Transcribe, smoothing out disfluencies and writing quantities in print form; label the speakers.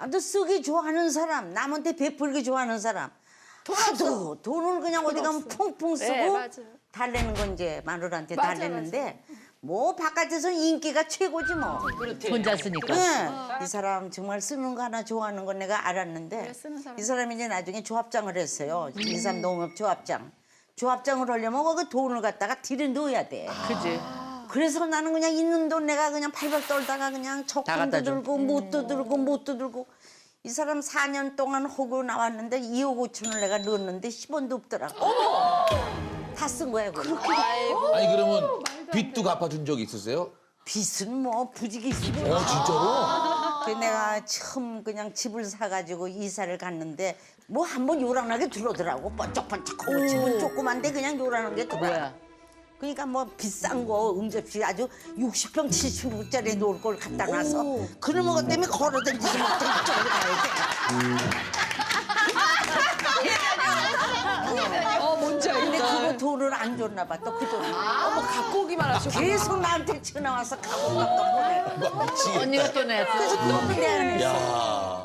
Speaker 1: 아무튼 쓰기 좋아하는 사람, 남한테 베풀기 좋아하는 사람. 하도 돈을 그냥 어디 가면 펑펑 쓰고
Speaker 2: 네, 맞아요.
Speaker 1: 달래는 건 이제 마누라한테
Speaker 2: 맞아,
Speaker 1: 달래는데 뭐 바깥에서 인기가 최고지 뭐.
Speaker 3: 혼자 쓰니까.
Speaker 1: 네. 이 사람 정말 쓰는 거 하나 좋아하는 건 내가 알았는데
Speaker 2: 네, 쓰는 사람.
Speaker 1: 이 사람이 이제 나중에 조합장을 했어요. 인삼 농업 조합장. 조합장을 하려면 그 돈을 갖다가 들여 넣어야 돼.
Speaker 3: 그지.
Speaker 1: 그래서 나는 그냥 있는 돈 내가 그냥 팔팔 떨다가 그냥 적금도
Speaker 3: 갖다 줘.
Speaker 1: 들고 못도 들고 못도 들고 이 사람 4년 동안 하고 나왔는데 2억 5천을 내가 넣었는데 10원도 없더라고. 다 쓴 거야 그거.
Speaker 4: 아니 그러면 빚도 갚아준 적이 있으세요?
Speaker 1: 빚은 뭐 부지기 있고.
Speaker 4: 진짜로?
Speaker 1: 그래서 내가 처음 그냥 집을 사가지고 이사를 갔는데 뭐 한번 요란하게 들어오더라고. 번쩍번쩍하고 집은 조그만데 그냥 요란하게 들어와.
Speaker 3: 뭐야?
Speaker 1: 그러니까 뭐 비싼 거 응접실 아주 60평 70평짜리 놓을 걸 갖다 놔서 그놈의 것 때문에 걸어다니지 못해 이쪽으로 가야 돼.
Speaker 2: 뭔지
Speaker 1: 근데
Speaker 2: 알겠다.
Speaker 1: 그거 돈을 안 줬나 봐 또 그 돈을.
Speaker 2: 어머, 갖고 오기만 하시고.
Speaker 1: 계속 나한테 전화 와서 가고 보내.
Speaker 4: 미치겠다.
Speaker 3: 언니가 또 냈어.
Speaker 1: 그래서 또 내야 했어.
Speaker 4: 야.